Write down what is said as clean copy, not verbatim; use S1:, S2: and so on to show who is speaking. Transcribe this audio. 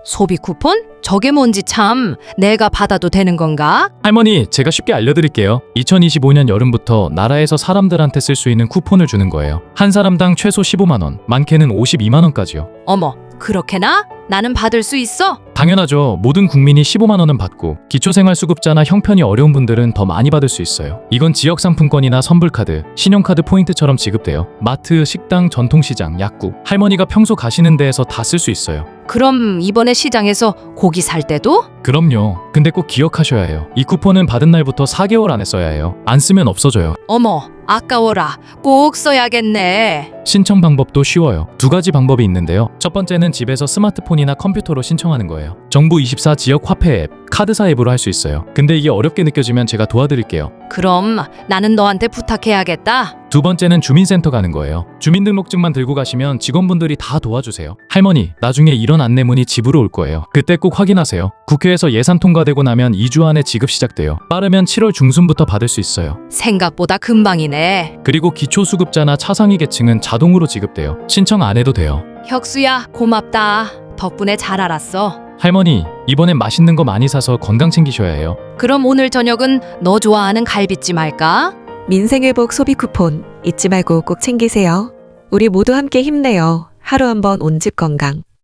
S1: 소비 쿠폰? 저게 뭔지 참. 내가 받아도 되는 건가?
S2: 할머니, 제가 쉽게 알려드릴게요. 2025년 여름부터 나라에서 사람들한테 쓸 수 있는 쿠폰을 주는 거예요. 한 사람당 최소 15만 원, 많게는 52만 원까지요.
S1: 어머, 그렇게나? 나는 받을 수 있어?
S2: 당연하죠. 모든 국민이 15만 원은 받고 기초생활수급자나 형편이 어려운 분들은 더 많이 받을 수 있어요. 이건 지역상품권이나 선불카드, 신용카드 포인트처럼 지급돼요. 마트, 식당, 전통시장, 약국, 할머니가 평소 가시는 데에서 다 쓸 수 있어요.
S1: 그럼 이번에 시장에서 고기 살 때도?
S2: 그럼요. 근데 꼭 기억하셔야 해요. 이 쿠폰은 받은 날부터 4개월 안에 써야 해요. 안 쓰면 없어져요.
S1: 어머, 아까워라. 꼭 써야겠네.
S2: 신청 방법도 쉬워요. 두 가지 방법이 있는데요. 첫 번째는 집에서 스마트폰이나 컴퓨터로 신청하는 거예요. 정부 24 지역 화폐 앱, 카드사 앱으로 할 수 있어요. 근데 이게 어렵게 느껴지면 제가 도와드릴게요.
S1: 그럼 나는 너한테 부탁해야겠다.
S2: 두 번째는 주민센터 가는 거예요. 주민등록증만 들고 가시면 직원분들이 다 도와주세요. 할머니, 나중에 이런 안내문이 집으로 올 거예요. 그때 꼭 확인하세요. 국회에서 예산 통과되고 나면 2주 안에 지급 시작돼요. 빠르면 7월 중순부터 받을 수 있어요.
S1: 생각보다 금방이네.
S2: 그리고 기초수급자나 차상위 계층은 자동으로 지급돼요. 신청 안 해도 돼요.
S1: 혁수야, 고맙다. 덕분에 잘 알았어.
S2: 할머니, 이번엔 맛있는 거 많이 사서 건강 챙기셔야 해요.
S1: 그럼 오늘 저녁은 너 좋아하는 갈비찜 할까?
S3: 민생회복 소비 쿠폰 잊지 말고 꼭 챙기세요. 우리 모두 함께 힘내요. 하루 한 번 온집 건강.